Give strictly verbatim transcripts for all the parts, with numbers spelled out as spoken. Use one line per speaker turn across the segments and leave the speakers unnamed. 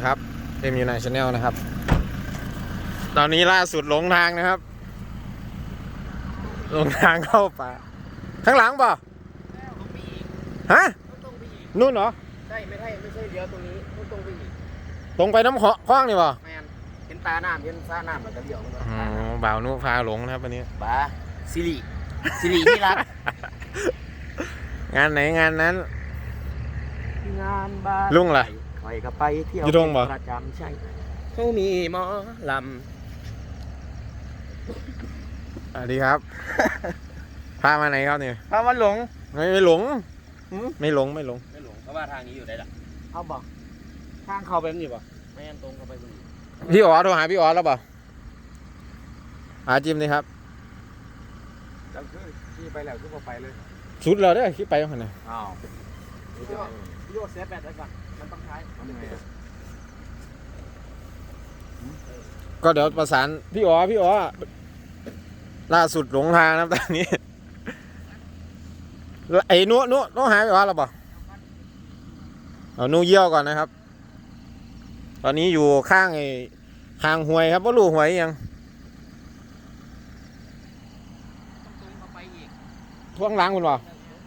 ครับเอ็มยูไนชาแนลนะครับตอนนี้ล่าสุดหลงทางนะครับหลงทางเข้าป่าข้างหลังเปล่าฮะนู่นเหรอ
ใช่ไม่ใช่ไม่ใช่เลี้ยวตรงนี้ตรงไปอีก
ตรงไปน้ำคลองนี่เปล่า
แมนเห็นตาน้ำเห็นซ่าน้ำมันจะเลี้ยว
อ๋อบ่าวนุพาหลงนะครับวันนี้
บ้าสิริสิริที่รัก
งานไหนงานนั้น
งานบ้าน
ลุงล่ะ
ใครก็ไปเที่ยวประจำใช่เขามีหมอล
ำสวัสดีครับพามาไหนครับเนี่ย
พามาหลง
ไม่ไม่หลงไม่หลงไม่หลง
ไม่หลงเพราะว่าทางนี้อยู่ได้หรอเอาบอกทางเข้าไปมันอยู่ป่ะไม่งั้นตรงเข้าไปมัน
พี่อ๋อโทรหาพี่อ๋อแล้วเปล่าหาจิมเลยครับ
แล้วคือขี่ไปแล้วคือพอไปเลย
สุดเราได้ขี่ไปยังไง
อ้าวพี่โยเซฟแบตไว้ก่อนมันต้องใช้ทำยังไง
ก็เดี๋ยวประสานพี่อ๋อพี่อ๋อล่าสุดหลงทางนะตอนนี้ไอ้นู้นู้นู้หายไปวะหรอเปล่าเอานู้เยี่ยวก่อนนะครับตอนนี้อยู่ข้างไอ้ข้างห้วยครับว่าลูกห้วยยังท่วงล้างคุณเปล่า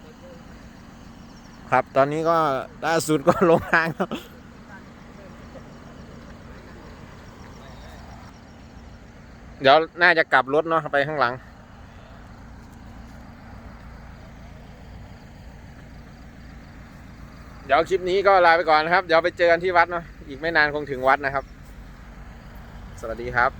ครับตอนนี้ก็ล่าสุดก็ลงทางครับเดี๋ยวน่าจะกลับรถเนาะไปข้างหลังเดี๋ยวคลิปนี้ก็ลาไปก่อนนะครับเดี๋ยวไปเจอกันที่วัดเนาะอีกไม่นานคงถึงวัดนะครับสวัสดีครับ